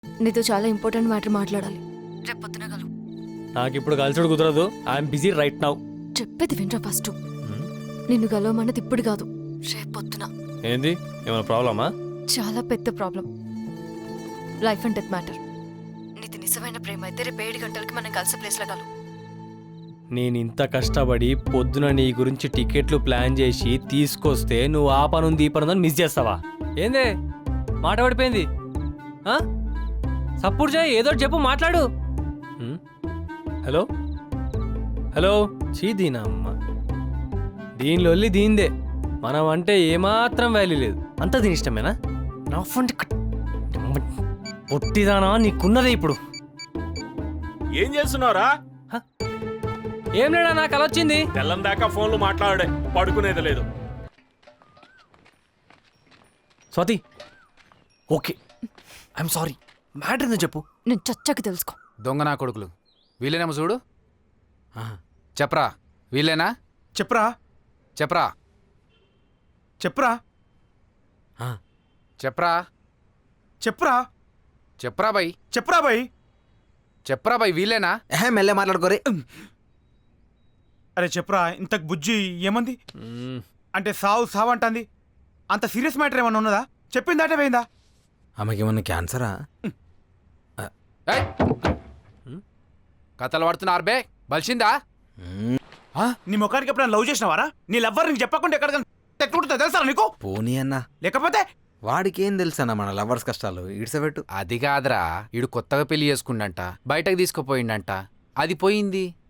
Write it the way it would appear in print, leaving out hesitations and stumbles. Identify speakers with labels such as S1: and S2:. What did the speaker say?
S1: నీతో చాలా important matter మాట్లాడాలి. రేపు పొద్దున కలు.
S2: నాకు ఇప్పుడు కలిసి కుదరదు. I'm busy right now.
S1: చెప్పేది వినరా ఫస్ట్. నిన్ను కలవమన్నది ఇప్పుడు కాదు, రేపు పొద్దున.
S2: ఏంది, ఏమైనా ప్రాబ్లమా?
S1: చాలా పెద్ద problem. Life and death matter. నీది నిజమైన ప్రేమ అయితే రేపు 7 గంటలకి మనం కలిసే ప్లేస్లో కలు.
S2: నేను ఇంత కష్టపడి పొద్దున నీ గురించి టికెట్లు ప్లాన్ చేసి తీసుకొస్తే నువ్వు ఆ పనుంది ఈ పనుందని మిస్ చేస్తావా? ఏందే మాట పడిపోయింది? సపోర్ట్ చేయి, ఏదో చెప్పు, మాట్లాడు. Hello hello. దీనా అమ్మ, దీనిలో దీందే. మనం అంటే ఏమాత్రం వాల్యూ లేదు. అంత దీని ఇష్టమేనా? నా ఫోన్ పొట్టిదానా, నీకున్నదే ఇప్పుడు.
S3: ఏం చేస్తున్నారా?
S2: ఏం లేడా, నాకు అలా వచ్చింది.
S3: తెల్లం దాకా ఫోన్లు మాట్లాడే, పడుకునేది లేదు.
S2: Swathi, okay, I'm sorry. Matter ఏందో చెప్పు.
S1: నేను చచ్చకి తెలుసుకో.
S4: దొంగ నా కొడుకులు వీళ్ళేనేమో చూడు. చెప్పరా, వీళ్ళేనా?
S5: చెప్పరా
S4: చెప్పరా
S5: చెప్పరా
S4: చెప్పరా
S5: చెప్పరా
S4: చెప్పరా బై
S5: చెప్పరా బాయ్
S4: చెప్పరా బై, వీళ్ళేనా?
S6: మెల్లె మాట్లాడుకోరే.
S5: అరే చెప్పరా, ఇంతకు బుజ్జి ఏమంది? అంటే సావు సావు అంటుంది. అంత సీరియస్ మ్యాటర్ ఏమన్నా ఉన్నదా? చెప్పిందాటే పోయిందా?
S6: ఆమెకి ఏమన్నా క్యాన్సరా?
S4: ఏయ్! కథలు పడుతున్నారు బే, బలిసిందా?
S5: నీ ముఖానికి ఎప్పుడైనా లవ్ చేసినవారా? నీ లవ్వర్ నీకు చెప్పకుండా ఎక్కడికైనా తెక్కుంటుందా తెలుసా నీకు?
S6: పోనీ అన్నా,
S5: లేకపోతే
S6: వాడికి ఏం తెలుసన్నా మన లవర్స్ కష్టాలు. ఇడ్సబెట్టు.
S4: అది కాదురా, ఈడు కొత్తగా పెళ్లి చేసుకుండంట, బయటకు తీసుకుపోయిండంట, అది పోయింది.